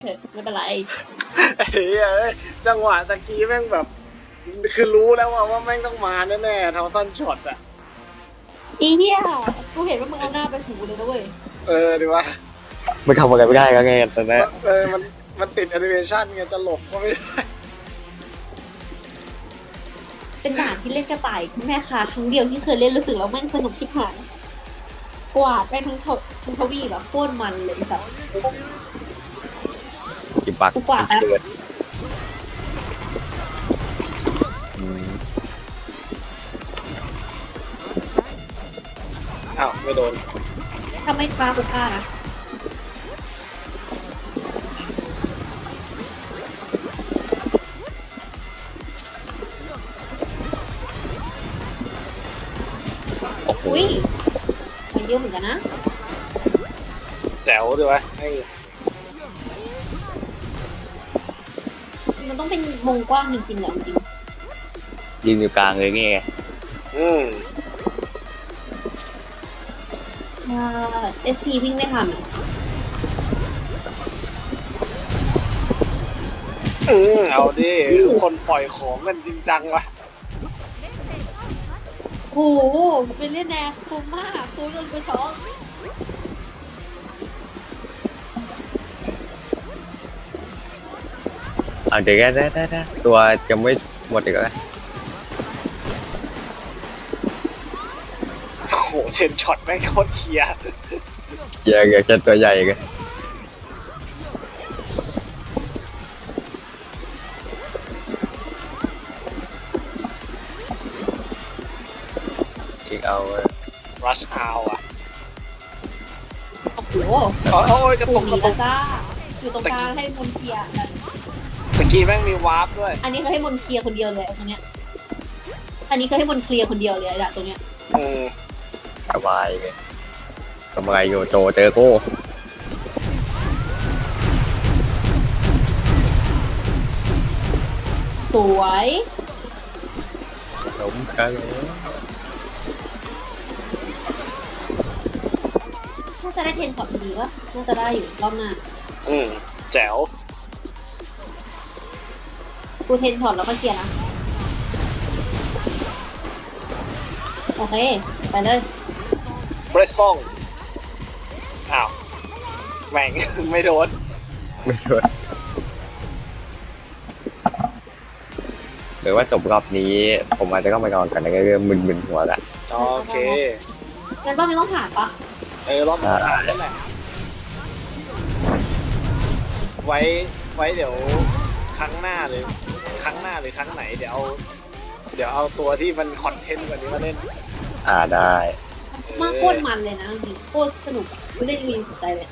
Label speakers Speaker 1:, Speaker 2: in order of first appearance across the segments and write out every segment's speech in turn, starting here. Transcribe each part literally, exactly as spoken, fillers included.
Speaker 1: เถอะไม่เป็นไร
Speaker 2: เฮ้ยจังหวะตะกี้แม่งแบบคือรู้แล้วว่าว่าแม่งต้องมาแน่ๆเท่าสั้นช็อตอ่ะ
Speaker 1: อีเหี้ยกูเห็นว่ามึงเอาหน้าไปถูเลยนะเว้ย
Speaker 2: เออดีว่า
Speaker 3: มันทำอะไรไม่ได้ก็ไงตอนนี้
Speaker 2: เออมันมันติดแอนิเมชันไงจะหลบก็ไม่ได้
Speaker 1: เป็นด่านที่เล่นกระต่ายแม่ค้าครั้งเดียวที่เคยเล่นรู้สึกแล้วแม่งสนุกชิบหายกวาดไปทั้งททั้งทวีแบบโคตรมันเลยสัส
Speaker 3: กินปาก
Speaker 1: กูกวาดแล้ว
Speaker 2: อ้าวไม่โดน
Speaker 1: ถ้าไม่ฆ่ากูฆ่านะอุ้ยมันเยอะเหมือนกันนะ
Speaker 2: แจ๋วด้วยวะไอ้
Speaker 1: มันต้องเป็นวงกว้างจริงๆเหรอจริง
Speaker 3: ยืนอยู่กลางเลยนี่ไง
Speaker 2: อืม
Speaker 1: ถ้าเอสพีวิ่งไม่ทันอ่ะ
Speaker 2: อืมเอาดิคนปล่อยของกันจริงจังวะ
Speaker 1: โอ้โหเป็นเล่นแนวคุ้มมากคุ้มจนกูช็อก
Speaker 3: เอาเดี๋ยวก็ได้ได้ได้ตัวจะไม่หมดอีกแล้ว
Speaker 2: โอ้โหเชนช็อตแม่งโคตรเคลียร์
Speaker 3: เยอะเยอะแค่ตัวใหญ่กันอีกเอา
Speaker 2: รัชเอาอ่ะ
Speaker 1: โอ้โห
Speaker 2: โอ้ยกระตุกกระตุก
Speaker 1: จ้าอยู่ตรงกลางให้มนเคลียร์
Speaker 2: ตะกี้แม่งมีวาร์ปด้วย
Speaker 1: อันนี้เขาให้มนเคลียร์คนเดียวเลยตรงเนี้ยอันนี้เขาให้มนเคลียร์คนเดียวเลยอะตรงเนี้ย
Speaker 2: อืม
Speaker 3: สบายเลยทำอะไรอยู่โจเจอกู
Speaker 1: สวย
Speaker 3: ล้มกัน
Speaker 1: น่าจะได้เทนช็อตดีวะน่าจะได้อยู่รอบหน้า
Speaker 2: อืมแจ๋ว
Speaker 1: กูเทนช็อตแล้วก็เคลียร์นะโอเคไปเลย
Speaker 2: เบรซซ่งอ้าวแม่งไม่โดน
Speaker 3: ไม่โดนหรือว่าจบรอบนี้ผมอาจจะต้องไปนอนกันในเรื่องมึนๆหัวละ
Speaker 2: โอเค
Speaker 1: งั้นรอบนี้ต้องผ่านปะ
Speaker 2: เออรอบนี้ผ่านนั่นแหละไว้ไว้เดี๋ยวครั้งหน้าเลยครั้งหน้าหรือครั้งไหนเดี๋ยวเอาเดี๋ยวเอาตัวที่มันคอนเทนต์กว่านี้มาเล่น
Speaker 3: อ่าได้
Speaker 1: มากโคตรมันเลยนะจริงโคตรสนุกไม่ได้มีสนใจเลย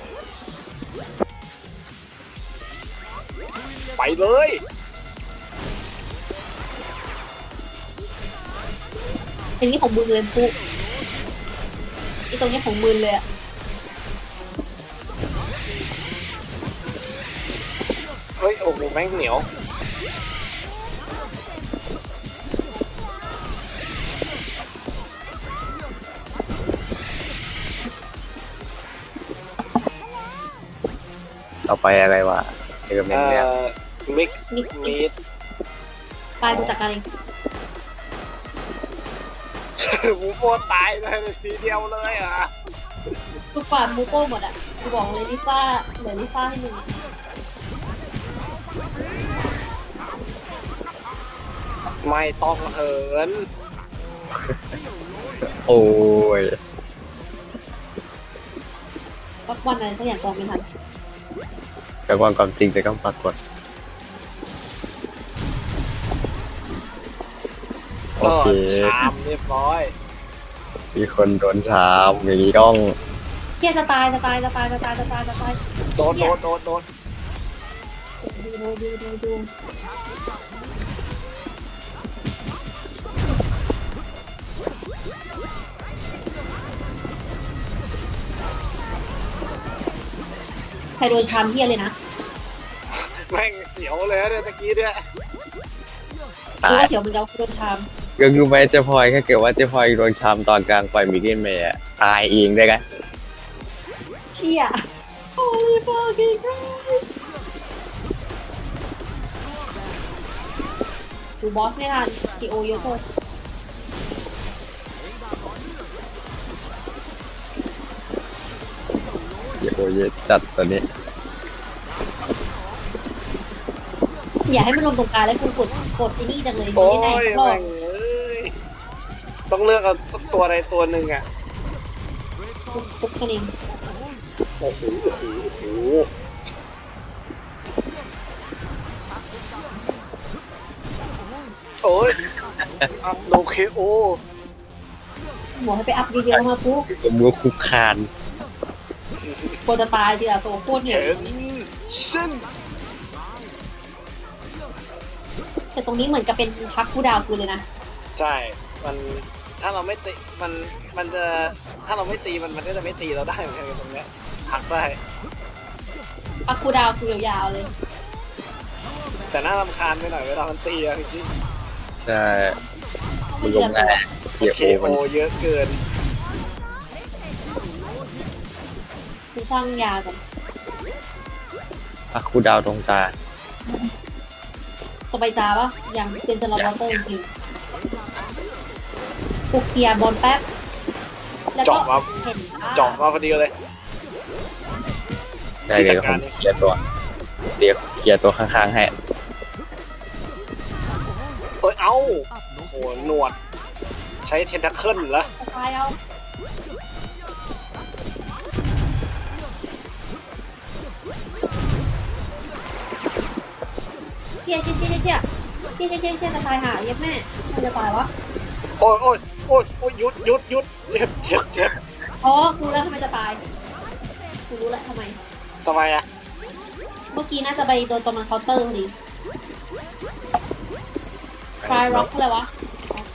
Speaker 2: ไปเลย
Speaker 1: อันนี้ของมือเลยปุ๊ไอตรงนี้ของมือเลยอะ
Speaker 2: เฮ้ยโอ้โหแม่งเหนียว
Speaker 3: ต่อไปอะไรวะเอกเมนเนี่ย
Speaker 2: มิกซ์มีด
Speaker 1: ไปดูจากอะไร
Speaker 2: มูโปตายเลยทีเดียวเลยอ่ะ
Speaker 1: ทุกฝ่ายมูโป้หมดอ่ะกูบอกเลยลิซ่าเหลือลิซ่าให้มึง
Speaker 2: ไม่ต้องเหิน
Speaker 3: โอ้ย
Speaker 1: สักวันอะไรสักอย่างกองไม่ทัน
Speaker 3: แต่ความความจริงจะต้องปรากฏโอเค
Speaker 2: ชามเรียบร้อย
Speaker 3: มีคนโดนชามอย่างนี้ต้อง
Speaker 1: เที่ยจะตายจะตายจะตายจะตายจะตายจะตาย
Speaker 2: โดนโดนโดนโดน
Speaker 1: ดูดูดูดูดูใครโดนชามเที่ยเลยนะ
Speaker 2: แม่งเสียวเลยเนี่ยตะกี้เนี่ย
Speaker 1: คือว่าเสียวมันจะโดนชาม
Speaker 3: ก็คือไม่เจพลอยแค่เกิดว่าเจพลอยโดนชามตอนกลางปล่อยมิกเกิลเมย์ตายเองได้กัน
Speaker 1: เชี่ยโอ้ย fucking Christ ดูบอสไม่ทันทีโอเยอะเกิน
Speaker 3: เยโอเยจัดตัวนี้
Speaker 1: อย่าให้มันลงตรงกลางแล้วกูกดกดไอ้นี่จังเลย
Speaker 2: โอ้
Speaker 1: ไม่ได้
Speaker 2: ย
Speaker 1: สักรอ
Speaker 2: แม่
Speaker 1: บ
Speaker 2: งเอ้ยต้องเลือกเอาสักตัวใดตัวหนึ่งอ่ะ
Speaker 1: ปุ๊บแค่นี้
Speaker 2: โอ้โหโอ้โหโอ้โหโอ้ยอัพโนเคโอ
Speaker 1: หมอให้ไปอัพดีเดียวมาปุ๊บ
Speaker 3: ผมก็คุกคาน
Speaker 1: โคจะตายทีละตัวโคตรเนี่ย
Speaker 2: เห็นซึ่ง
Speaker 1: แต่ตรงนี้เหมือนกับเป็นพักผู้ดาวกูเลยนะ
Speaker 2: ใช่ มันถ้าเราไม่ตีมันมันจะถ้าเราไม่ตีมันมันก็จะไม่ตีเราได้เหมือนกันตรงเนี้ยหักได้
Speaker 1: พักผู้ดาวกูยาวๆเลย
Speaker 2: แต่น่ารำคาญไปหน่อยเวลามันตีอะจริง
Speaker 3: ใช่มันลงง่ายเย
Speaker 2: ๆ
Speaker 3: โอ
Speaker 2: เค
Speaker 3: มัน
Speaker 2: โอเยอะเกิน
Speaker 1: คือสร้างยากัน
Speaker 3: อะคูดาวตรงตา
Speaker 1: ต่อไปจ้าปะยังเป็นสลับวอเตอร์จริงๆกูเคลียร์บอลแป๊บแล้วก็
Speaker 2: เจาะมา
Speaker 1: เห็นอ่
Speaker 2: เจาะมาพอดีเลย
Speaker 3: ได้เลยผมเคลียร์ตัวเดี๋ยวเคลียร์ตัวข้างๆให้
Speaker 2: เอ้ยเอ้าโอ้โหหนวด ใช้เทนทัคเคิลเหรอ
Speaker 1: สไตล์เอาเชี่ยเชี่ยเชี่ยเชี่ยเชี่ยเชี่ยเชี่ยเชี่ยจะตายหาเย็บแม่มันจะตายวะ
Speaker 2: โอ้ยโอ้ยโอ้ยโอ้ยหยุดหยุดหยุดเจ็บเจ็บเจ็บ
Speaker 1: อ๋อกูรู้แล้วทำไมจะตายกูรู้แล้วทำไม
Speaker 2: ทำไมอะ
Speaker 1: เมื่อกี้น่าจะไปโดนตรงนั้นเคาน์เตอร์พอดีคลายร็อกอะไรวะโอเค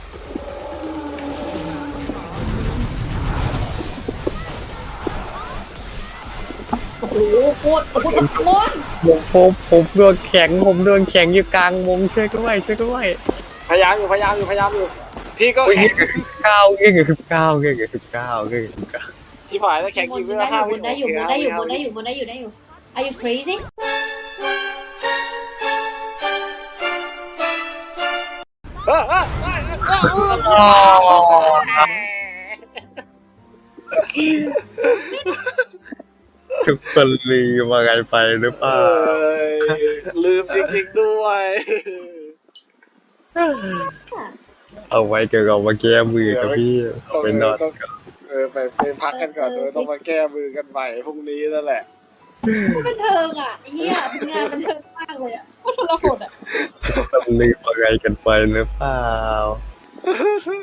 Speaker 1: โอ้โหโคตรโคตรโคตร
Speaker 3: ผมผมผมโดนแข็งผมโดนแข็งอยู่กลางวงช่วยด้วยช่วยด้วย
Speaker 2: พยายามอยู่พยายามอยู่พยายามอยู่ พี่ก็
Speaker 3: โอ้ย
Speaker 2: แข็ง
Speaker 3: เก้าเงี้ยคือเก้าเงี้ยคือเก้าเงี้ยคือเก้า
Speaker 2: ที่ฝ่ายแล้วแข็ง
Speaker 1: บ
Speaker 2: กี่
Speaker 1: น
Speaker 2: เว
Speaker 1: ได้
Speaker 2: ลาห้า
Speaker 1: อ
Speaker 2: วิ
Speaker 1: ยู่บนได้อยู่บนได้อยู่บนได้อยู่บนได้อยู่ได้อยู่ Are you crazy
Speaker 2: เออเออเออเออเออ
Speaker 3: ทุกคนลืมมาไงไปหรือเปล่า
Speaker 2: เอ้ยลืมจริงๆด้วย
Speaker 3: เอาไว้เกี่ยวกับมาแก้มือกับพี่ไปนอน
Speaker 2: เออไปไปพักกันก่อนเออต้องมาแก้มือกันใหม่พรุ่งนี้นั่นแหละ
Speaker 1: ก็บันเทิงอ่ะเฮียงานบันเทิงมากเลยอ่ะก็ทรหดอ่ะ
Speaker 3: ทุกคนลืมมาไงกันไปหรือเปล่า